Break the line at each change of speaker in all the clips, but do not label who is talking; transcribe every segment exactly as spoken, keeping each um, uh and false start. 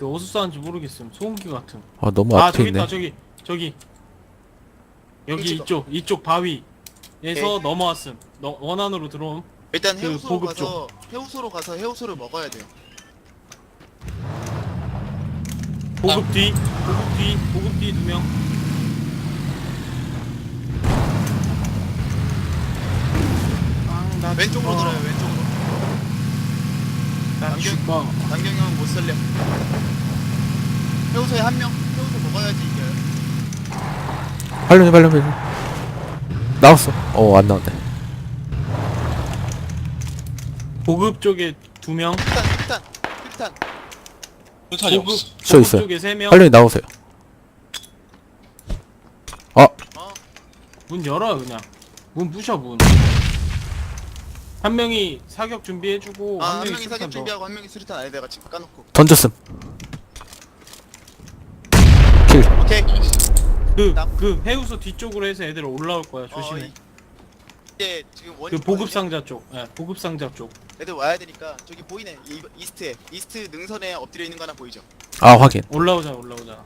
어디서 쐈는지 모르겠음. 소음기 같은.
아 너무
아
앞에
저기
있네.
있다 저기 저기 여기
찍어.
이쪽 이쪽 바위에서
오케이.
넘어왔음. 너, 원안으로 들어옴.
일단
그
해우소로
보급
가서 해우소로 가서 해우소를 먹어야 돼요.
보급 뒤 보급 뒤 보급 뒤 두 명. 아, 나
왼쪽으로
죽어.
돌아요. 왼쪽으로.
나
남경-
죽어.
남경이 형은 못 살려. 해우소에 한 명. 해우소 먹어야지 이겨요.
빨리 빨리 빨리. 나왔어. 어 안 나온대.
보급 쪽에 두 명.
일단 일단 일단
수탄이
보급
없어.
저
보급
있어요.
쪽에 세 명.
빨리 나오세요. 아
어
문 열어 그냥. 문 부셔 문. 한 명이 사격 준비해주고
아,
한
한
명이
명이
수류탄
사격
더.
준비하고 한 명이 수류탄 안에다가 지금 까놓고.
던졌음. 킬.
오케이.
그,
나-
그 해우소 뒤쪽으로 해서 애들 올라올 거야. 조심해.
어, 이- 이제 지금 원
그 보급 상자 쪽. 예, 보급 상자 쪽.
애들 와야 되니까 저기 보이네. 이, 이스트에 이스트 능선에 엎드려 있는 거 하나 보이죠?
아 확인.
올라오자, 올라오자.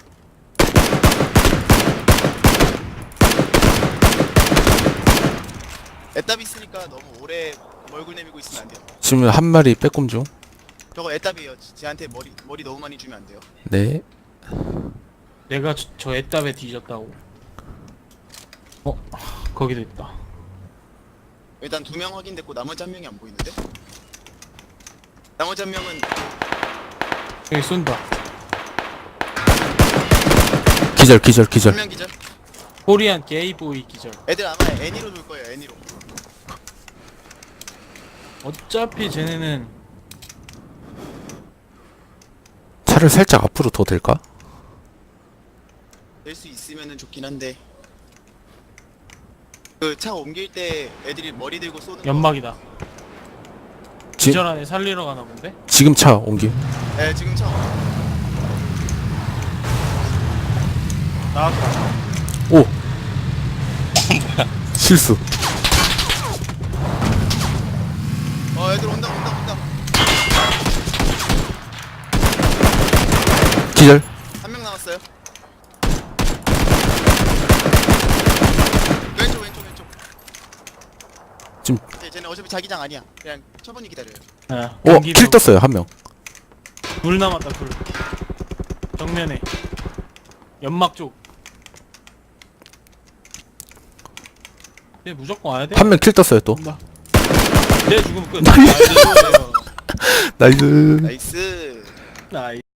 애답이 있으니까 너무 오래 얼굴 내밀고 있으면 안 돼요.
지금 한 마리 빼꼼 중.
저거 애답이에요. 쟤한테 머리 머리 너무 많이 주면 안 돼요.
네.
내가 저, 저 애답에 뒤졌다고. 어, 거기도 있다.
일단 두 명 확인됐고 나머지 한 명이 안 보이는데? 나머지 한 명은
여기 쏜다.
기절 기절 기절.
한 명 기절.
코리안 게이보이 기절.
애들 아마 애니로 돌 거예요. 애니로.
어차피 쟤네는
차를 살짝 앞으로 더 될까?
낼 수 있으면은 좋긴 한데. 그 차 옮길 때 애들이 머리 들고 쏘는 거.
연막이다.
지,
기절 안에 살리러 가나 본데?
지금 차 옮김.
네, 지금 차.
나왔다.
오. 실수.
어, 애들 온다, 온다, 온다.
기절.
한 명 남았어요. 왼쪽, 왼쪽, 왼쪽.
지금
네, 쟤는 어차피 자기장 아니야. 그냥 천천히 기다려요.
예,
오, 킬 떴어요 한 명.
불 남았다, 불. 정면에. 연막 쪽. 얘 무조건 와야 돼.
한 명 킬 떴어요 또.
온다. 얘 죽으면 끝.
나이스.
나이스.
나이스.
나이스.
나이스.